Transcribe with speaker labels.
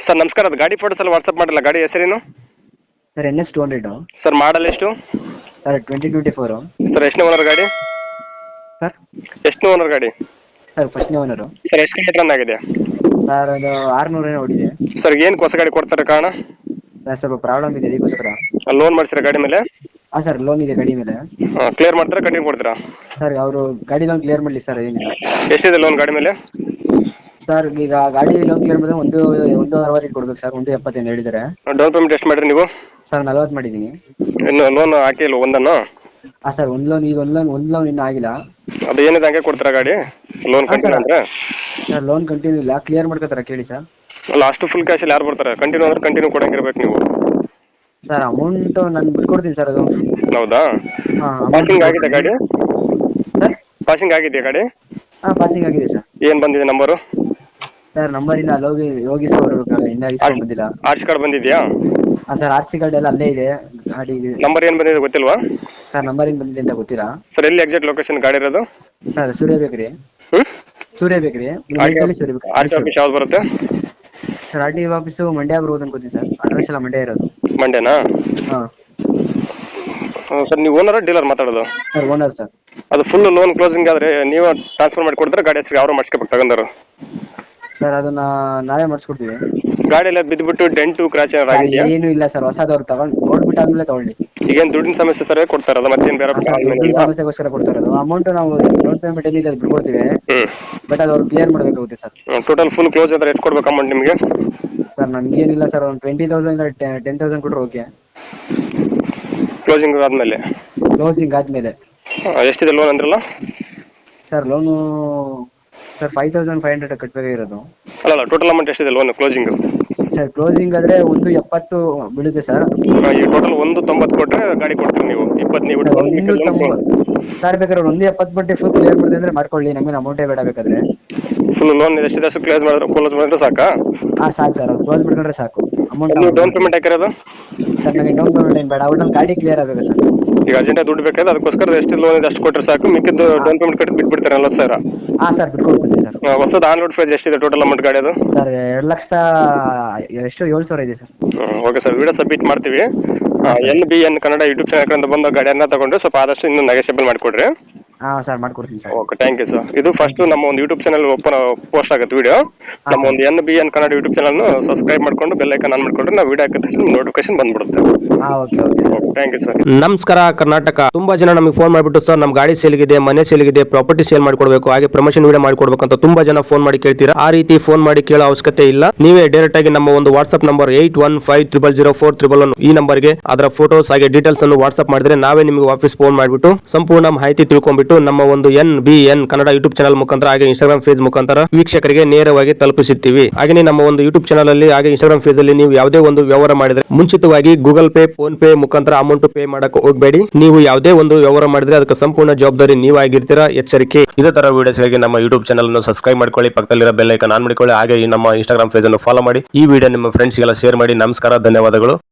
Speaker 1: Sir ನಮಸ್ಕಾರ, ಅದು ಗಾಡಿ ಫೋಟೋಸ್ ಎಲ್ಲ ವಾಟ್ಸಪ್ ಮಾಡಿಲ್ಲ. ಗಾಡಿ ಹೆಸರೇನು
Speaker 2: ಸರ್ NS 200
Speaker 1: ಸರ್? ಮಾಡಲ್ ಎಷ್ಟು
Speaker 2: ಸರ್ 2024
Speaker 1: ಸರ್? ಎಷ್ಟನೇ ಓನರ್ ಗಾಡಿ?
Speaker 2: ಸರ್
Speaker 1: ಎಷ್ಟನೇ ಓನರ್ ಗಾಡಿ
Speaker 2: ಸರ್ ಫಸ್ಟ್ನೇ ಓನರು.
Speaker 1: ಸರ್? ಎಷ್ಟು ಕಿಲೋಮೀಟರ್ ರನ್ ಆಗಿದೆ
Speaker 2: ಸರ್ ಅದು 600 ಓಡಿದೆ.
Speaker 1: ಸರ್ ಏನು ಹೊಸ ಗಾಡಿ ಕೊಡ್ತಾರೆ ಕಾರಣ?
Speaker 2: ಸರ್ ಸ್ವಲ್ಪ ಪ್ರಾಬ್ಲಮ್ ಇದೆ, ಅದಕ್ಕೋಸ್ಕರ.
Speaker 1: ಲೋನ್ ಮಾಡ್ತೀರಾ ಗಾಡಿ ಮೇಲೆ?
Speaker 2: ಹಾಂ ಸರ್, ಲೋನ್ ಇದೆ ಗಾಡಿ ಮೇಲೆ.
Speaker 1: ಕ್ಲಿಯರ್ ಮಾಡ್ತೀರಾ ಕಂಟಿನ್ಯೂ ಕೊಡ್ತೀರಾ?
Speaker 2: ಸರ್ ಅವರು ಗಾಡಿ ಲೋನ್ ಕ್ಲಿಯರ್ ಮಾಡಲಿ ಸರ್, ಏನಿಲ್ಲ.
Speaker 1: ಎಷ್ಟಿದೆ ಲೋನ್ ಗಾಡಿ ಮೇಲೆ?
Speaker 2: ಸರ್ ಈಗ ಗಾಡಿ ಲೋನ್ ಕ್ಲಿಯರ್ ಮಾಡಿದ್ರೆ ಒಂದು 60 ಕೊಡ್ಬೇಕು ಸರ್. 170 ಹೇಳಿದ್ದಾರೆ.
Speaker 1: ಡೌನ್ ಪೇಮೆಂಟ್ ಎಷ್ಟು ಮಾಡಿರಿ ನೀವು?
Speaker 2: ಸರ್ 40 ಮಾಡಿದ್ದೀನಿ.
Speaker 1: ಇನ್ನು ಲೋನ್ ಹಾಕಿಲ್ಲ ಒಂದನ್ನು?
Speaker 2: ಹಾಂ ಸರ್, ಒಂದು ಲೋನ್ ಇನ್ನೂ ಆಗಿಲ್ಲ.
Speaker 1: ಅದು ಏನಿದೆ ಹಂಗೆ ಕೊಡ್ತೀರಾ ಗಾಡಿ ಲೋನ್
Speaker 2: ಹಾಂ ಸರ್.
Speaker 1: ಕಂಟಿನ್ಯೂ ಅಂದ್ರೆ?
Speaker 2: ಸರ್ ಲೋನ್ ಕಂಟಿನ್ಯೂ ಇಲ್ಲ, ಕ್ಲಿಯರ್ ಮಾಡ್ಕೋತಾರ ಕೇಳಿ ಸರ್.
Speaker 1: ಲಾಸ್ಟ್ ಫುಲ್ ಕ್ಯಾಶಲ್ಲಿ ಯಾರು ಬರ್ತಾರೆ? ಕಂಟಿನ್ಯೂ ಅಂದ್ರೆ ಕಂಟಿನ್ಯೂ ಕೊಡಂಗಿರ್ಬೇಕು ನೀವು.
Speaker 2: ಸರ್ ಅಮೌಂಟ್ ನಾನು ಬಿಟ್ಕೊಡ್ತೀನಿ ಸರ್. ಅದು
Speaker 1: ಹೌದಾ?
Speaker 2: ಹಾಂ,
Speaker 1: ಪಾಸಿಂಗ್ ಆಗಿದೆ ಗಾಡಿ?
Speaker 2: ಸರ್
Speaker 1: ಪಾಸಿಂಗ್ ಆಗಿದೆಯಾ ಗಾಡಿ?
Speaker 2: ಹಾಂ, ಪಾಸಿಂಗ್ ಆಗಿದೆ ಸರ್.
Speaker 1: ಏನು ಬಂದಿದೆ ನಂಬರು?
Speaker 2: ಸರ್ ನಂಬರಿಂದ ಅಲ್ಲಿ ಹೋಗಿ ಇಸ್ಕೊಬರ್ಬೇಕಲ್ಲ, ಇನ್ನೂ ಇಸ್ಕೊಂಡ್ ಬಂದಿಲ್ಲ.
Speaker 1: ಆರ್ಚ್ ಕಾರ್ಡ್ ಬಂದಿದೆಯಾ?
Speaker 2: ಹಾಂ ಸರ್, RC ಕಾರ್ಡ್ ಎಲ್ಲ ಅಲ್ಲೇ ಇದೆ ಗಾಡಿ.
Speaker 1: ನಂಬರ್ ಏನು ಬಂದಿದೆ ಗೊತ್ತಿಲ್ವಾ?
Speaker 2: ಸರ್ ನಂಬರ್ ಏನು ಬಂದಿದೆ ಅಂತ ಗೊತ್ತಿಲ್ಲ.
Speaker 1: ಸರ್ ಎಲ್ಲಿ ಎಕ್ಸಾಕ್ಟ್ ಲೊಕೇಶನ್ ಗಾಡಿ ಇರೋದು?
Speaker 2: ಸರ್ ಸೂರ್ಯ ಬೇಕ್ರಿ. ಸೂರ್ಯ ಬೇಕ್ರಿ ಸೂರ್ಯ ಬೇಕ್ರಿ.
Speaker 1: ಆರ್ ಟಿ ಆಫೀಸ್ ಯಾವ್ದು ಬರುತ್ತೆ?
Speaker 2: ಸರ್ RTO ಆಫೀಸು ಮಂಡ್ಯ ಬರ್ಬೋದು ಅನ್ಕೋತೀನಿ ಸರ್. ಅಡ್ರೆಸ್ ಎಲ್ಲ ಮಂಡ್ಯ ಇರೋದು.
Speaker 1: ಮಂಡ್ಯನಾ?
Speaker 2: ಹಾಂ
Speaker 1: ಸರ್ ನೀವು ಓನರ್ ಡೀಲರ್ ಮಾತಾಡೋದು?
Speaker 2: Sir owner sir.
Speaker 1: ಅದು ಫುಲ್ ಲೋನ್ ಕ್ಲೋಸಿಂಗ್ ಆದರೆ ನೀವು ಟ್ರಾನ್ಸ್ಫರ್ ಮಾಡಿ ಕೊಡ್ತಾರೆ, ಗಾಡಿ ಹೆಸರು ಯಾರು ಮಾಡಿಸ್ಕೋಬೇಕು ತಗೊಂಡರು?
Speaker 2: ಸರ್ ಅದನ್ನ ನಾವೇ ಮಾಡಿಸ್ಕೊಡ್ತೀವಿ.
Speaker 1: ಗಾಡಿಯಲ್ಲಿ ಬಿದ್ದುಬಿಟ್ಟು ಡೆಂಟು ಕ್ರಾಚ್
Speaker 2: ಸರ್
Speaker 1: ಆಗಿದೆಯಾ?
Speaker 2: ಏನು ಇಲ್ಲ ಸರ್, ಹೊಸದವ್ರು ತಗೊಂಡು ನೋಡ್ಬಿಟ್ಟು ಆದ್ಮೇಲೆ ತಗೊಳ್ಳಿ.
Speaker 1: ಈಗೇನು ದುಡ್ಡಿನ ಸಮಸ್ಯೆ ಸರ್ ಕೊಡ್ತಾರೆ, ಅದು ಮತ್ತೇನು ಬೇರೆ?
Speaker 2: ಸರ್ ದುಡ್ಡಿನ ಸಮಸ್ಯೆಗೋಸ್ಕರ ಕೊಡ್ತಾ ಇರೋದು. ಅಮೌಂಟ್ ನಾವು ಡೌನ್ ಪೇಮೆಂಟ್ ಏನಿದೆ ಅದು ಬಿಟ್ಕೊಡ್ತೀವಿ, ಬಟ್ ಅದು ಅವ್ರು ಕ್ಲಿಯರ್ ಮಾಡಬೇಕಾಗುತ್ತೆ ಸರ್.
Speaker 1: ಟೋಟಲ್ ಫುಲ್ ಕ್ಲೋಸ್ ಆದರೆ ಎಷ್ಟು ಕೊಡ್ಬೇಕು ಅಮೌಂಟ್ ನಿಮಗೆ?
Speaker 2: ಸರ್ ನಮ್ಗೇನಿಲ್ಲ ಸರ್, ಒಂದು 20,000 10,000 ಕೊಟ್ಟರೆ ಓಕೆ.
Speaker 1: ಕ್ಲೋಸಿಂಗ್ ಆದಮೇಲೆ?
Speaker 2: ಕ್ಲೋಸಿಂಗ್ ಆದ್ಮೇಲೆ.
Speaker 1: ಎಷ್ಟಿದೆ ಲೋನ್ ಅಂದ್ರಲ್ಲ?
Speaker 2: ಸರ್ ಲೋನು ಸರ್ 5,500 ಕಟ್ಟಬೇಕಾಗಿರೋದು.
Speaker 1: ಅಲ್ಲ ಟೋಟಲ್ ಅಮೌಂಟ್ ಎಷ್ಟಿದೆ ಲೋನ್ ಕ್ಲೋಸಿಂಗ್?
Speaker 2: ಸರ್ ಕ್ಲೋಸಿಂಗ್ ಆದ್ರೆ 170 ಬೀಳುತ್ತೆ ಸರ್.
Speaker 1: ಈ ಟೋಟಲ್ 190 ಕೊಟ್ಟರೆ ಗಾಡಿ ಕೊಡ್ತೀರಿ ನೀವು? 20 ನೀವು
Speaker 2: ಸರ್ 190 ಸರ್, ಬೇಕಾದ್ರೆ 170 ಬಡ್ಡಿ ಫುಲ್ ಕ್ಲಿಯರ್ ಮಾಡಿದೆ ಅಂದ್ರೆ ಮಾಡ್ಕೊಳ್ಳಿ, ನಮಗೆ ಅಮೌಂಟೇ ಬೇಡ ಬೇಕಾದ್ರೆ.
Speaker 1: ಫುಲ್ ಲೋನ್ ಎಷ್ಟಿದೆ ಅಷ್ಟು ಕ್ಲೋಸ್ ಮಾಡಿದ್ರೆ ಸಾಕಾ?
Speaker 2: ಹಾಂ ಸಾಕು ಸರ್, ಅವ್ರು ಕ್ಲೋಸ್ ಮಾಡ್ಕೊಂಡ್ರೆ ಸಾಕು. ಅಮೌಂಟ್
Speaker 1: ನೀವು ಡೌನ್ ಪೇಮೆಂಟ್ ಹಾಕಿರೋದು?
Speaker 2: ಸರ್ ನನಗೆ ಡೌನ್ ಪೇಮೆಂಟ್ ಏನು ಬೇಡ, ಅವ್ರು ಗಾಡಿ ಕ್ಲಿಯರ್ ಆಗಬೇಕು ಸರ್.
Speaker 1: ಈಗ ಅರ್ಜೆಂಟಾಗಿ ದುಡ್ಡು ಬೇಕಾದ್ರೆ ಅದಕ್ಕೋಸ್ಕರ ಎಷ್ಟು ಲೋನ್ ಇದೆ ಅಷ್ಟು ಕೊಟ್ಟರೆ ಸಾಕು, ಮಿಕ್ಕಿದ್ದು ಡೌನ್ ಪೇಮೆಂಟ್ ಕಟ್ಟಿ ಬಿಟ್ಬಿಡ್ತಾರೆ 40,000.
Speaker 2: ಹಾಂ ಸರ್, ಬಿಟ್ಕೊಡ್ತೀನಿ ಸರ್.
Speaker 1: ಹೊಸದು ಆನ್ ರೋಡ್ ಪ್ರೈಸ್ ಎಷ್ಟಿದೆ ಟೋಟಲ್ ಅಮೌಂಟ್ ಗಾಡಿ ಅದು?
Speaker 2: ಸರ್ 7,000 ಇದೆ sir.
Speaker 1: Okay sir, video submit ಮಾಡ್ತೀವಿ. NBN ಕನ್ನಡ ಯೂಟ್ಯೂಬ್ ಚಾನಲ್ ಬಂದು ಗಾಡಿಯನ್ನ ತಗೊಂಡು ಸ್ವಲ್ಪ ಆದಷ್ಟು ಇನ್ನೂ ನೆಗೆಸೇಬಲ್ ಮಾಡಿಕೊಡ್ರಿ.
Speaker 2: ಹಾಂ ಸರ್, ಮಾಡ್ಕೊಡ್ತೀನಿ sir.
Speaker 1: Okay, thank you sir. ಇದು ಫಸ್ಟ್ ನಮ್ಮ ಒಂದು ಯೂಟ್ಯೂಬ್ ಚಾನಲ್ ಪೋಸ್ಟ್ ಆಗುತ್ತೆ ವಿಡಿಯೋ. ನಮ್ಮ ಒಂದು NBN Kannada YouTube channel subscribe ಮಾಡ್ಕೊಂಡು ಬೆಲ್ ಐಕಾನ್ ಆನ್ ಮಾಡ್ಕೊಂಡ್ರೆ ನಾವು ವಿಡಿಯೋ ಹಾಕಿದ ತಕ್ಷಣ ನೋಟಿಫಿಕೇಶನ್ ಬಂದ್ಬಿಡುತ್ತೆ.
Speaker 2: ಹಾಂ okay okay sir,
Speaker 1: thank you sir.
Speaker 3: ನಮಸ್ಕಾರ ಕರ್ನಾಟಕ. ತುಂಬಾ ಜನ ನಮಗೆ ಫೋನ್ ಮಾಡಿಬಿಟ್ಟು ಸರ್ ನಮ್ಮ ಗಾಡಿ ಸೇಲ್ಗಿದೆ, ಮನೆ ಸೇಲ್ಗಿದೆ, ಪ್ರಾಪರ್ಟಿ ಸೇಲ್ ಮಾಡ್ಕೊಡ್ಬೇಕು, ಹಾಗೆ ಪ್ರಮೋಷನ್ ವಿಡಿಯೋ ಮಾಡ್ಕೊಡ್ಬೇಕು ಅಂತ ತುಂಬಾ ಜನ ಫೋನ್ ಮಾಡಿ ಕೇಳ್ತೀರಾ. ಆ ರೀತಿ ಫೋನ್ ಮಾಡಿ ಕೇಳೋ ಅವಶ್ಯಕತೆ ಇಲ್ಲ. ನೀವೇ ಡೈರೆಕ್ಟ್ ಆಗಿ ನಮ್ಮ ಒಂದು ವಾಟ್ಸ್ಆಪ್ ನಂಬರ್ 81500411 ಈ ನಂಬರ್ಗೆ ಅದರ ಫೋಟೋಸ್ ಹಾಗೆ ಡೀಟೇಲ್ಸ್ ಅನ್ನು ವಾಟ್ಸ್ಆಪ್ ಮಾಡಿದ್ರೆ ನಾವೇ ನಿಮಗೆ ವಾಪಸ್ ಫೋನ್ ಮಾಡಿಬಿಟ್ಟು ಸಂಪೂರ್ಣ ಮಾಹಿತಿ ತಿಳ್ಕೊಂಡ್ಬಿಟ್ಟು ನಮ್ಮ ಒಂದು NBN ಕನ್ನಡ ಯೂಟ್ಯೂಬ್ ಚಾನಲ್ ಮುಖಾಂತರ ಹಾಗೆ ಇನ್ಸ್ಟಾಗ್ರಾಮ್ ಪೇಜ್ ಮುಖಾಂತರ ವೀಕ್ಷಕರಿಗೆ ನೇರವಾಗಿ ತಲುಪಿಸುತ್ತೀವಿ. ಹಾಗೆ ನಮ್ಮ ಒಂದು ಯೂಟ್ಯೂಬ್ ಚಾನಲ್ ಅಲ್ಲಿ ಹಾಗೆ ಇನ್ಸ್ಟಾಗ್ರಾಮ್ ಪೇಜ್ ಅಲ್ಲಿ ನೀವು ಯಾವುದೇ ಒಂದು ವ್ಯವಹಾರ ಮಾಡಿದ್ರೆ ಮುಂಚಿತವಾಗಿ ಗೂಗಲ್ ಪೇ, ಫೋನ್ ಪೇ ಮುಖಾಂತರ ಅಮೌಂಟ್ ಪೇ ಮಾಡಕ್ಕೆ ಹೋಗಬೇಡಿ. ನೀವು ಯಾವುದೇ ಒಂದು ವ್ಯವಹಾರ ಮಾಡಿದ್ರೆ ಅದಕ್ಕೆ ಸಂಪೂರ್ಣ ಜವಾಬ್ದಾರಿ ನೀವಾಗಿರ್ತೀರಾ, ಎಚ್ಚರಿಕೆ. ಇದೇ ತರ ವಿಡಿಯೋಸ್ಗಾಗಿ ನಮ್ಮ ಯೂಟ್ಯೂಬ್ ಚಾನಲ್ ಅನ್ನು ಸಬ್ಸ್ಕ್ರೈಬ್ ಮಾಡ್ಕೊಳ್ಳಿ, ಪಕ್ಕದಲ್ಲಿರೋ ಬೆಲ್ ಐಕಾನ್ ಆನ್ ಮಾಡಿಕೊಳ್ಳಿ, ಹಾಗೆ ನಮ್ಮ ಇನ್ಸ್ಟಾಗ್ರಾಮ್ ಪೇಜ್ ಅನ್ನು ಫಾಲೋ ಮಾಡಿ. ಈ ವಿಡಿಯೋ ನಿಮ್ಮ ಫ್ರೆಂಡ್ಸ್ಗೆಲ್ಲ ಶೇರ್ ಮಾಡಿ. ನಮಸ್ಕಾರ, ಧನ್ಯವಾದಗಳು.